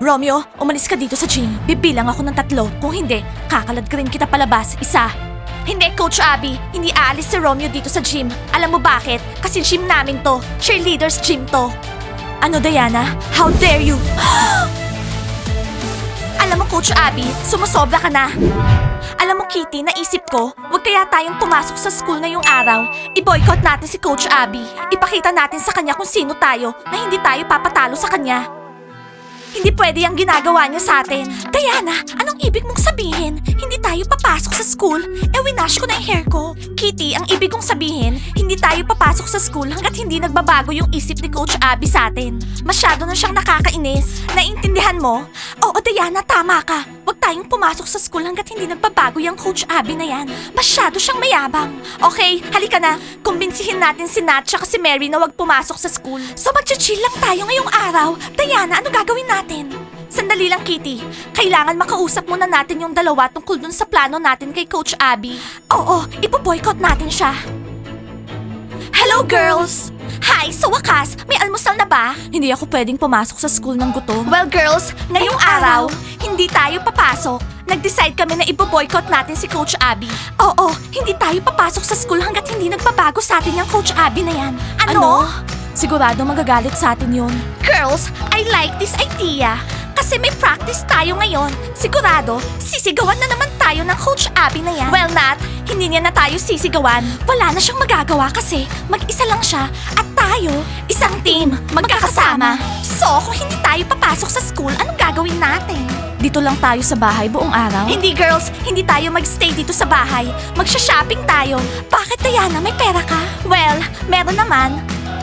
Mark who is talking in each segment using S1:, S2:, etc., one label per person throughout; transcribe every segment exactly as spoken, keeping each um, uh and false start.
S1: Romeo, umalis ka dito sa gym. Bibilang ako ng tatlo. Kung hindi, kakalad ka rin kita palabas. Isa. Hindi, Coach Abby. Hindi aalis si Romeo dito sa gym. Alam mo bakit? Kasi gym namin to. Cheerleaders gym to. Ano, Diana? How dare you? Alam mo, Coach Abby, sumusobra ka na. Alam mo, Kitty, naisip ko, wag kaya tayong pumasok sa school ngayong araw. I-boycott natin si Coach Abby. Ipakita natin sa kanya kung sino tayo na hindi tayo papatalo sa kanya. Hindi pwede ang ginagawa niya sa atin. Diana, anong ibig mong sabihin? Hindi tayo papasok sa school? Eh, winash ko na yung hair ko. Kitty, ang ibig kong sabihin, hindi tayo papasok sa school hanggat hindi nagbabago yung isip ni Coach Abby sa atin. Masyado na siyang nakakainis. Naiintindihan mo? Oo, Diana, tama ka. Huwag tayong pumasok sa school hanggat hindi nagbabago yung Coach Abby na yan. Masyado siyang mayabang. Okay, halika na. Kumbinsihin natin si Nat at si Mary na huwag pumasok sa school. So magchichill lang tayo ngayong araw. Diana, ano gagawin natin? Sandali lang, Kitty. Kailangan makausap muna natin yung dalawa tungkol dun sa plano natin kay Coach Abby. Oo, ipo-boycott natin siya. Hello, girls! Hi! Sa wakas, may almusal na ba? Hindi ako pwedeng pumasok sa school ng gutom. Well, girls, ngayong araw, hindi tayo papasok. Nag-decide kami na ipo-boycott natin si Coach Abby. Oo, hindi tayo papasok sa school hanggat hindi nagbabago sa atin yung Coach Abby na yan. Ano? Sigurado magagalit sa atin yun. Girls, I like this idea. Kasi may practice tayo ngayon. Sigurado, sisigawan na naman tayo ng Coach Abby na yan. Well, Nat, hindi niya na tayo sisigawan. Wala na siyang magagawa kasi mag-isa lang siya at tayo, isang team, magkakasama. So, kung hindi tayo papasok sa school, anong gagawin natin? Dito lang tayo sa bahay buong araw? Hindi, girls. Hindi tayo magstay dito sa bahay. Magsha-shopping tayo. Bakit, Diana? May pera ka? Well, meron naman.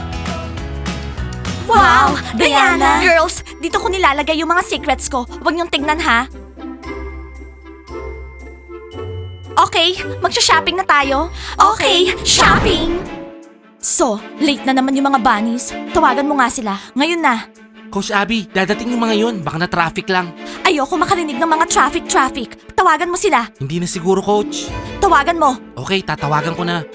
S1: Wow! Diana! Girls, dito ko nilalagay yung mga secrets ko. Huwag niyong tignan, ha? Okay, magsha-shopping na tayo. Okay, shopping! So, late na naman yung mga bunnies. Tawagan mo nga sila. Ngayon na.
S2: Coach Abby, dadating yung mga yun. Baka na traffic lang.
S1: Ayoko makarinig ng mga traffic-traffic. Tawagan mo sila.
S2: Hindi na siguro, Coach.
S1: Tawagan mo.
S2: Okay, tatawagan ko na.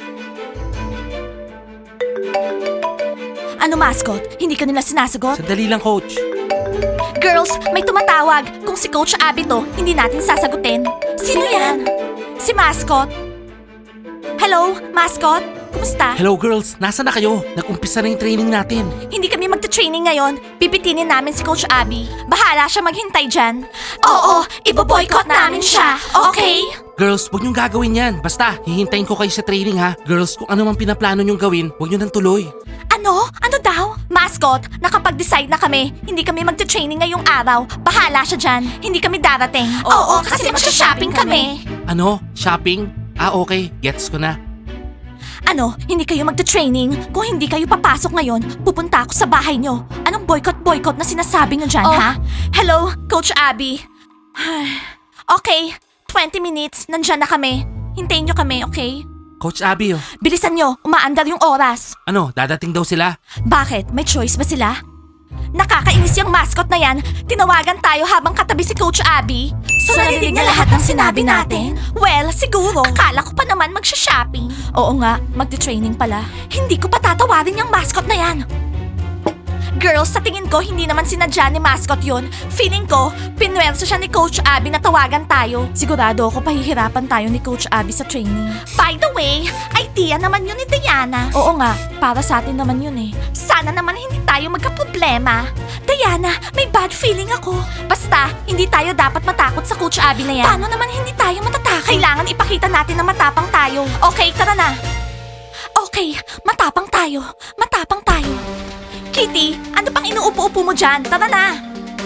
S1: Ano, mascot? Hindi ka nila sinasagot?
S2: Sandali lang, Coach.
S1: Girls, may tumatawag. Kung si Coach Abby to, hindi natin sasagutin. Sino yan? Si Mascot. Hello, Mascot? Kumusta?
S2: Hello, girls. Nasaan na kayo? Nag-umpisa na yung training natin.
S1: Hindi kami magta-training ngayon. Pipitinin namin si Coach Abby. Bahala siya maghintay dyan. Oo, ibo-boycott namin siya. Okay?
S2: Girls, huwag niyong gagawin yan. Basta, hihintayin ko kayo sa training, ha? Girls, kung ano man pinaplano niyong gawin, huwag niyo nang tuloy.
S1: Ano? Ano daw? Mascot, nakapag-decide na kami. Hindi kami magta-training ngayong araw. Bahala siya dyan. Hindi kami darating. Oo, kasi magsha-shopping kami.
S2: Ano? Shopping? Ah, okay. Gets ko na.
S1: Ano? Hindi kayo magta-training? Kung hindi kayo papasok ngayon, pupunta ako sa bahay nyo. Anong boycott-boycott na sinasabi nyo dyan,
S3: Oh.
S1: ha? Hello, Coach Abby. Okay, twenty minutes. Nandyan na kami. Hintayin nyo kami, okay?
S2: Coach Abby, oh.
S1: Bilisan nyo, umaandar yung oras.
S2: Ano, dadating daw sila?
S1: Bakit? May choice ba sila? Nakakainis yung mascot na yan. Tinawagan tayo habang katabi si Coach Abby. So, narinig niya lahat ng sinabi natin? Well, siguro. Akala ko pa naman magsha-shopping. Oo nga, magte-training pala. Hindi ko pa tatawarin yung mascot na yan. Girls, sa tingin ko, hindi naman sinadya ni mascot yun. Feeling ko, pinwersa siya ni Coach Abby na tawagan tayo. Sigurado ako pahihirapan tayo ni Coach Abby sa training. By the way, idea naman yun ni Diana. Oo nga, para sa atin naman yun eh. Sana naman hindi tayo magkaproblema. Diana, may bad feeling ako. Basta, hindi tayo dapat matakot sa Coach Abby na yan. Paano naman hindi tayo matatakot? Kailangan ipakita natin na matapang tayo. Okay, tara na. Okay, matapang tayo. Matapang tayo. Kitty, ano pang inuupo-upo mo dyan? Tara na!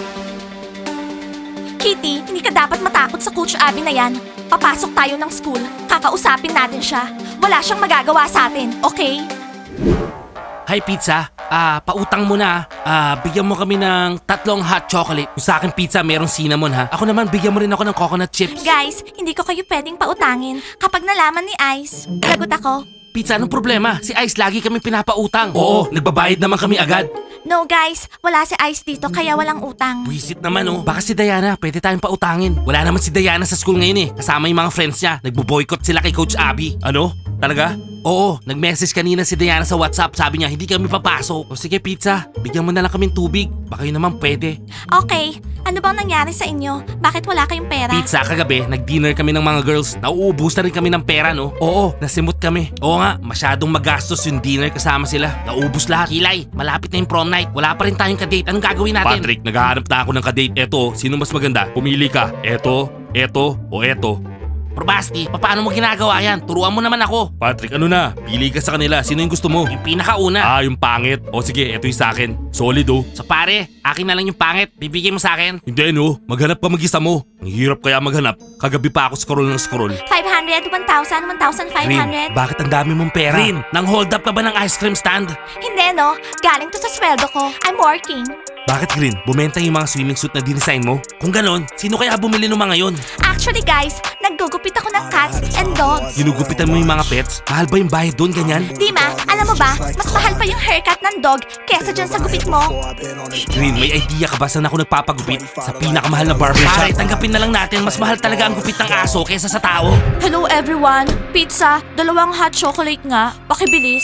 S1: Kitty, hindi ka dapat matakot sa Coach Abby na yan. Papasok tayo ng school, kakausapin natin siya. Wala siyang magagawa sa atin, okay?
S2: Hi, pizza. Ah, pautang mo na. Ah, bigyan mo kami ng tatlong hot chocolate. Kung sa akin pizza, merong cinnamon, ha? Ako naman, bigyan mo rin ako ng coconut chips.
S1: Guys, hindi ko kayo pwedeng pautangin. Kapag nalaman ni Ice, lagot ako.
S2: Pizza, anong problema? Si Ice lagi kami pinapautang. Oo, nagbabayad naman kami agad.
S1: No guys, wala si Ice dito kaya walang utang.
S2: Buisit naman, oh. Baka si Diana, pwede tayong pautangin. Wala naman si Diana sa school ngayon, eh. Kasama yung mga friends niya. Nagbo-boycott sila kay Coach Abby. Ano? Talaga? Oo, nag-message kanina si Diana sa WhatsApp. Sabi niya, hindi kami papasok. O sige, pizza. Bigyan mo na lang kaming tubig. Baka yun naman pwede.
S1: Okay, ano bang nangyari sa inyo? Bakit wala kayong pera?
S2: Pizza, kagabi, nag-dinner kami ng mga girls. Nauubos na rin kami ng pera, no? Oo, nasimot kami. Oo nga, masyadong magastos yung dinner kasama sila. Naubos lahat. Kilay, malapit na yung prom night. Wala pa rin tayong kadate. Anong gagawin natin? Patrick, naghahanap na ako ng kadate. Eto, sino mas maganda? Pumili ka. Eto, eto, o eto. Probasti, paano mo ginagawa yan? Turuan mo naman ako. Patrick, ano na? Pili ka sa kanila. Sino yung gusto mo? Yung pinakauna. Ah, yung pangit. O sige, eto yung sa akin. Solid oh. So pare, akin na lang yung pangit. Bibigay mo sa akin. Hindi no, maghanap ka mag-isa mo. Ang hirap kaya maghanap. Kagabi pa ako scroll ng scroll.
S1: five hundred, one thousand, one thousand five hundred.
S2: Rin, bakit ang dami mong pera? Rin, nang hold up ka ba ng ice cream stand?
S1: Hindi no, galing to sa sweldo ko. I'm working.
S2: Bakit Green? Bumenta yung mga swimming suit na dinesign mo? Kung ganon, sino kaya bumili ng mga yon?
S1: Actually guys, naggugupit ako ng cats and dogs.
S2: Ginugupitan mo yung mga pets? Mahal ba yung bayad doon, ganyan?
S1: Dima, alam mo ba, mas mahal pa yung haircut ng dog kesa dyan sa gupit mo.
S2: Green, may idea ka ba saan ako nagpapagupit? Sa pinakamahal na barbershop? Pare, tanggapin na lang natin, mas mahal talaga ang gupit ng aso kesa sa tao.
S1: Hello everyone, pizza, dalawang hot chocolate nga, pakibilis.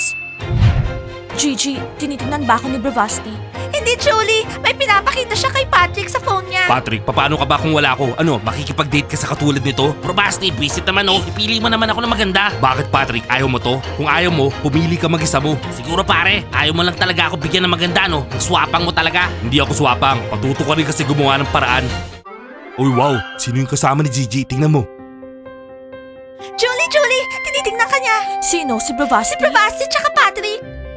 S1: Gigi, tinitingnan ba ako ni Bravasti? Hindi, Julie. May pinapakita siya kay Patrick sa phone niya.
S2: Patrick, paano ka ba kung wala ako? Ano, makikipag-date ka sa katulad nito? Probasti, visit naman oh. Ipili mo naman ako na maganda. Bakit Patrick, ayaw mo to? Kung ayaw mo, pumili ka mag-isa mo. Siguro pare, ayaw mo lang talaga ako bigyan ng maganda no? Ang swapang mo talaga. Hindi ako swapang. Patuto ka rin kasi gumawa ng paraan. Uy wow, sino yung kasama ni Gigi? Tingnan mo.
S1: Julie, Julie, tinitingnan ka niya. Sino? Si Bravasti? Si Bravasti tsaka Patrick.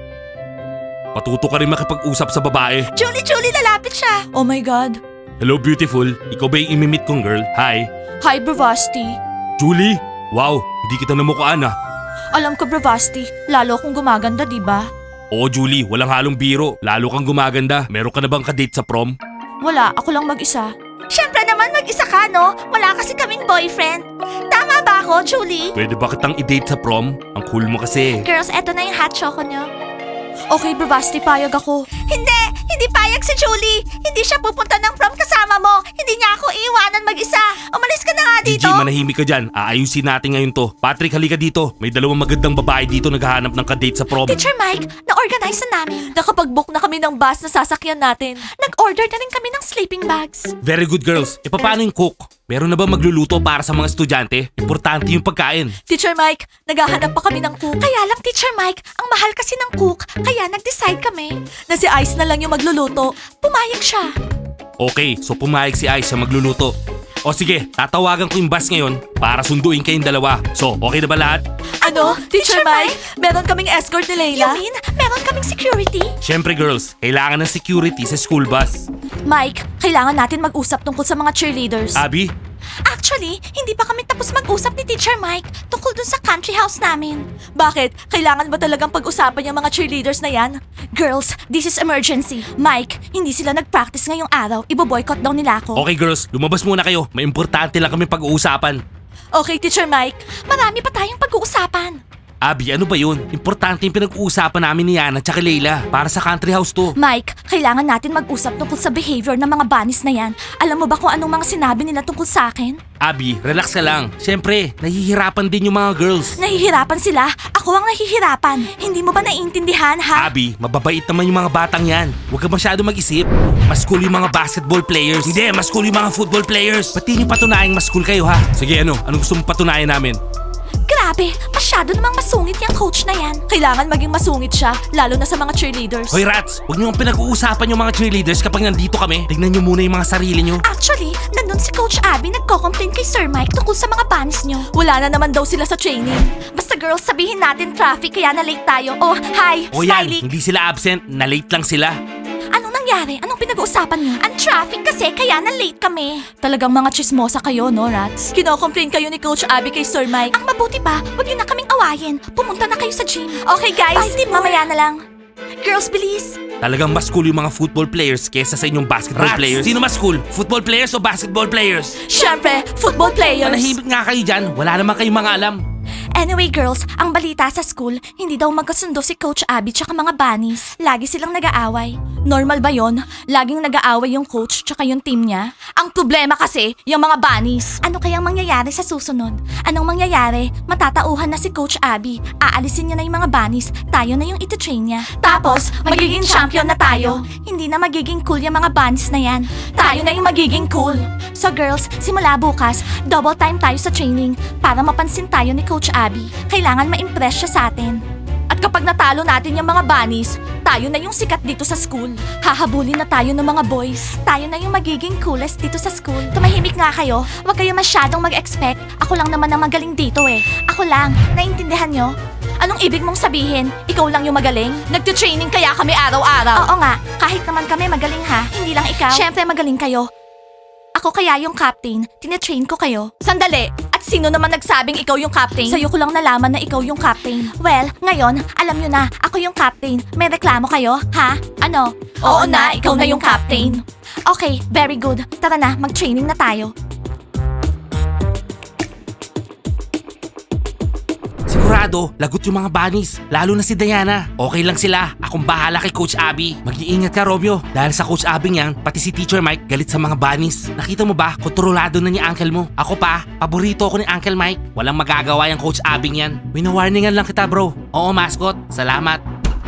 S2: Patuto ka rin makipag-usap sa babae.
S1: Julie, Julie, lalapit siya. Oh my God.
S2: Hello beautiful, ikaw ba yung imimit kong girl? Hi.
S1: Hi, Bravasti.
S2: Julie? Wow, hindi kita namukhaan ah.
S1: Alam ko, Bravasti, lalo akong gumaganda, di ba?
S2: Oo Julie, walang halong biro. Lalo kang gumaganda. Meron ka na bang kadate sa prom?
S1: Wala, ako lang mag-isa. Siyempre naman mag-isa ka, no? Wala kasi kaming boyfriend. Tama ba ako, Julie?
S2: Pwede ba kitang i-date sa prom? Ang cool mo kasi.
S1: Girls, eto na yung hot choco niyo. Okay, Bravasti, payag ako. Hindi! Hindi payag si Julie! Hindi siya pupunta ng prom kasama mo! Hindi niya ako iiwanan mag-isa! Umalis ka na nga dito!
S2: Gigi, manahimik ka dyan. Aayusin natin ngayon to. Patrick, halika dito. May dalawang magandang babae dito naghahanap ng kadate sa prom.
S1: Teacher Mike, na-organize na namin. Nakapag-book na kami ng bus na sasakyan natin. Nag-order na rin kami ng sleeping bags.
S2: Very good girls. E paano yung cook? Meron na ba magluluto para sa mga estudyante? Importante yung pagkain.
S1: Teacher Mike, naghahanap pa kami ng cook. Kaya lang, Teacher Mike, ang mahal kasi ng cook. Kaya nag-decide kami na si Ice na lang yung magluluto. Pumayag siya.
S2: Okay, so pumayag si Ice siya magluluto. O sige, tatawagan ko yung bus ngayon para sunduin kayong dalawa. So, okay na ba lahat?
S1: Ano? Teacher Mike, meron kaming escort ni Layla? You mean, meron kaming security?
S2: Siyempre girls, kailangan ng security sa school bus.
S1: Mike, kailangan natin mag-usap tungkol sa mga cheerleaders.
S2: Abby?
S1: Actually, hindi pa kami tapos mag-usap ni Teacher Mike tungkol dun sa country house namin. Bakit? Kailangan ba talagang pag-usapan yung mga cheerleaders na yan? Girls, this is emergency. Mike, hindi sila nag-practice ngayong araw. Ibo-boycott daw nila ako.
S2: Okay girls, lumabas muna kayo. May importante lang kami pag-uusapan.
S1: Okay, Teacher Mike. Marami pa tayong pag-uusapan.
S2: Abby, ano ba yun? Importante yung pinag-uusapan namin ni Yana at Layla para sa country house to.
S1: Mike, kailangan natin mag-usap tungkol sa behavior ng mga bunnies na yan. Alam mo ba kung anong mga sinabi nila tungkol sa akin?
S2: Abby, relax ka lang. Siyempre, nahihirapan din yung mga girls.
S1: Nahihirapan sila? Ako ang nahihirapan. Hindi mo ba naiintindihan, ha?
S2: Abby, mababait naman yung mga batang yan. Huwag ka masyado mag-isip. Mas cool yung mga basketball players. Hindi, mas cool yung mga football players. Pati nyo patunayang mas cool kayo ha. Sige ano, anong gusto mong patunayan namin?
S1: Grabe, masyado namang masungit yung coach na yan. Kailangan maging masungit siya, lalo na sa mga cheerleaders.
S2: Hoy rats, huwag niyo ang pinag-uusapan yung mga cheerleaders kapag nandito kami. Tignan niyo muna yung mga sarili niyo.
S1: Actually, nandun si Coach Abby nagko-complain kay Sir Mike tungkol sa mga bunnies niyo. Wala na naman daw sila sa training. Basta girls, sabihin natin traffic kaya na late tayo. Oh, hi,
S2: O yan,
S1: Smiley.
S2: hindi sila absent, na late lang sila.
S1: Anong nangyari? Anong pinag-uusapan niyo? Ang traffic kasi kaya na late kami. Talagang mga chismosa kayo, no, rats? Kino-complain kayo ni Coach Abby kay Sir Mike. Ang mabuti pa, huwag niyo na kaming awayin. Pumunta na kayo sa gym. Okay, guys. Bye, mamaya na lang. Girls, bilis.
S2: Talagang mas cool yung mga football players kesa sa inyong basketball
S3: Rats!
S2: players. Sino mas cool? Football players o basketball players?
S1: Siyempre, football players.
S2: Manahimik nga kayo dyan. Wala naman kayong mga alam.
S1: Anyway girls, ang balita sa school, hindi daw magkasundo si Coach Abby tsaka mga bunnies. Lagi silang nag-aaway. Normal ba yon? Laging nag-aaway yung coach tsaka yung team niya? Ang problema kasi, yung mga bunnies. Ano kayang mangyayari sa susunod? Anong mangyayari? Matatauhan na si Coach Abby. Aalisin niya na yung mga bunnies. Tayo na yung iti-train niya. Tapos, magiging champion na tayo. Hindi na magiging cool yung mga bunnies na yan. Tayo na yung magiging cool. So girls, simula bukas, double time tayo sa training para mapansin tayo ni Coach Abby. Kailangan ma-impress siya sa atin. At kapag natalo natin yung mga bunnies, tayo na yung sikat dito sa school. Hahabulin na tayo ng mga boys. Tayo na yung magiging coolest dito sa school. Tumahimik nga kayo. Huwag kayo masyadong mag-expect. Ako lang naman ang magaling dito eh. Ako lang. Naintindihan nyo? Anong ibig mong sabihin? Ikaw lang yung magaling? Nagte-training kaya kami araw-araw. Oo nga. Kahit naman kami magaling ha. Hindi lang ikaw. Siyempre magaling kayo. Ako kaya yung captain. Tinetrain ko kayo. Sandali. At sino naman nagsabing ikaw yung captain? Sa'yo ko lang nalaman na ikaw yung captain. Well, ngayon, alam nyo na, ako yung captain. May reklamo kayo, ha? Ano? Oo, na, ikaw na yung captain. Okay, very good. Tara na, mag-training na tayo.
S2: Sigurado, lagot yung mga bunnies. Lalo na si Diana. Okay lang sila. Akong bahala kay Coach Abby. Mag-iingat ka, Romeo. Dahil sa Coach Abby niyan, pati si Teacher Mike galit sa mga bunnies. Nakita mo ba? Kontrolado na ni Uncle mo. Ako pa, paborito ko ni Uncle Mike. Walang magagawa yung Coach Abby niyan. Winawarningan lang kita, bro. Oo, mascot. Salamat.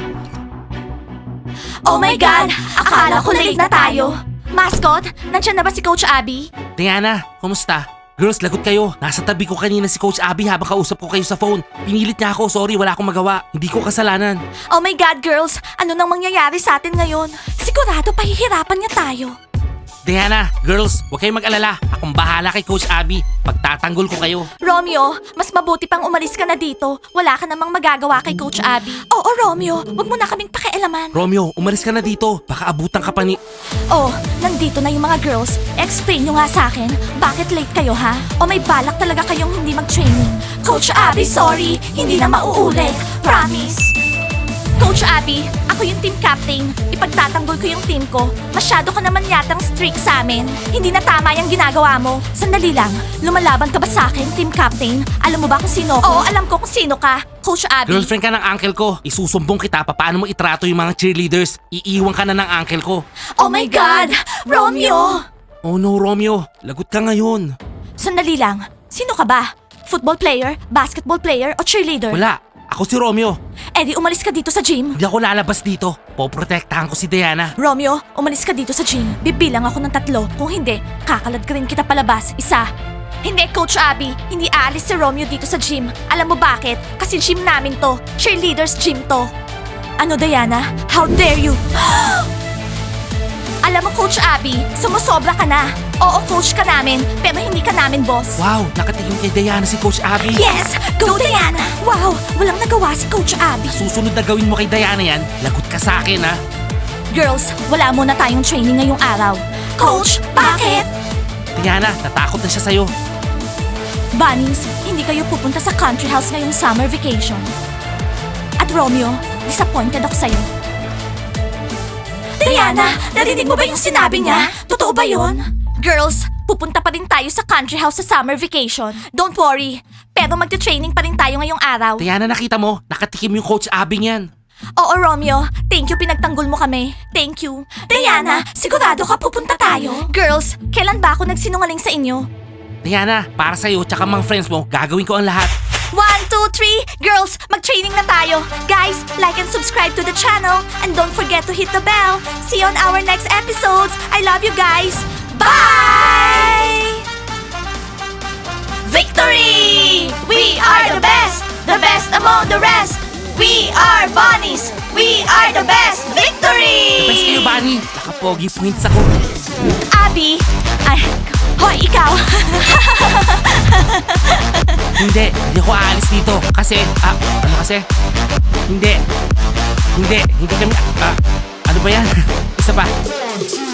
S1: Oh my God! Akala ko late na tayo. Mascot, nandiyan na ba si Coach Abby?
S2: Diana, kumusta? Girls, lagot kayo. Nasa tabi ko kanina si Coach Abby habang kausap ko kayo sa phone. Pinilit niya ako. Sorry, wala akong magawa. Hindi ko kasalanan.
S1: Oh my God, girls! Ano nang mangyayari sa atin ngayon? Sigurado pahihirapan niya tayo.
S2: Diana, girls, huwag kayong mag-alala. Akong bahala kay Coach Abby. Pagtatanggol ko kayo.
S1: Romeo, mas mabuti pang umalis ka na dito. Wala ka namang magagawa kay Coach Abby. Oo, Romeo. Wag mo na kaming pakialaman.
S2: Romeo, umalis ka na dito. Baka abutan ka pa ni...
S1: Oh, nandito na yung mga girls. Explain nyo nga sa akin, bakit late kayo ha? O may balak talaga kayong hindi mag-training? Coach Abby, sorry. Hindi na mauulit. Promise. Coach Abby, ako yung team captain. Ipagtatanggol ko yung team ko. Masyado ka naman yatang strict sa amin. Hindi na tama yung ginagawa mo. Sandali lang, lumalaban ka ba sa akin, team captain? Alam mo ba kung sino ko? Oo, alam ko kung sino ka. Coach Abby.
S2: Girlfriend ka ng uncle ko. Isusumbong kita pa paano mo itrato yung mga cheerleaders. Iiwan ka na ng uncle ko.
S1: Oh my God! Romeo!
S2: Oh no, Romeo. Lagot ka ngayon.
S1: Sandali lang. Sino ka ba? Football player, basketball player, o cheerleader?
S2: Wala. Ako si Romeo.
S1: Eh di umalis ka dito sa gym.
S2: Hindi ako lalabas dito. Poprotektahan ko si Diana.
S1: Romeo, umalis ka dito sa gym. Bibilang ako ng tatlo. Kung hindi, kakalad ka rin kita palabas. Isa. Hindi, Coach Abby. Hindi aalis si Romeo dito sa gym. Alam mo bakit? Kasi gym namin to. Cheerleaders gym to. Ano, Diana? How dare you? Alam mo, Coach Abby, sumusobra ka na. Oo, coach ka namin, pero hindi ka namin boss.
S2: Wow, nakatingin kay Diana si Coach Abby.
S1: Yes! Go, Diana! Wow, walang nagawa si Coach Abby.
S2: Susunod na gawin mo kay Diana yan, lagot ka sa akin ha.
S1: Girls, wala muna tayong training ngayong araw. Coach, bakit?
S2: Diana, natakot na siya sa'yo.
S1: Bunnies, hindi kayo pupunta sa country house ngayong summer vacation. At Romeo, disappointed ako sa'yo. Diana, narinig mo ba yung sinabi niya? Totoo ba yun? Girls, pupunta pa rin tayo sa country house sa summer vacation. Don't worry, pero magte-training pa rin tayo ngayong araw.
S2: Diana, nakita mo, nakatikim yung Coach Abby niyan.
S1: Oo, Romeo. Thank you, pinagtanggol mo kami. Thank you. Diana, sigurado ka pupunta tayo? Girls, kailan ba ako nagsinungaling sa inyo?
S2: Diana, para sa'yo tsaka mga friends mo, gagawin ko ang lahat.
S1: One, two, three! Girls, mag-training na tayo! Guys, like and subscribe to the channel and don't forget to hit the bell. See you on our next episodes. I love you guys. Bye! Victory! We are the best! The best among the rest! We are bunnies! We are the best! Victory!
S2: Best kayo, Bunny. Nakapogi points ako.
S1: Abby! Ay, hoy, ikaw!
S2: Hindi, hindi ako aalis dito. Kasi, ah, ano kasi? Hindi. Hindi, hindi kami, ah, ano ba yan? Isa pa.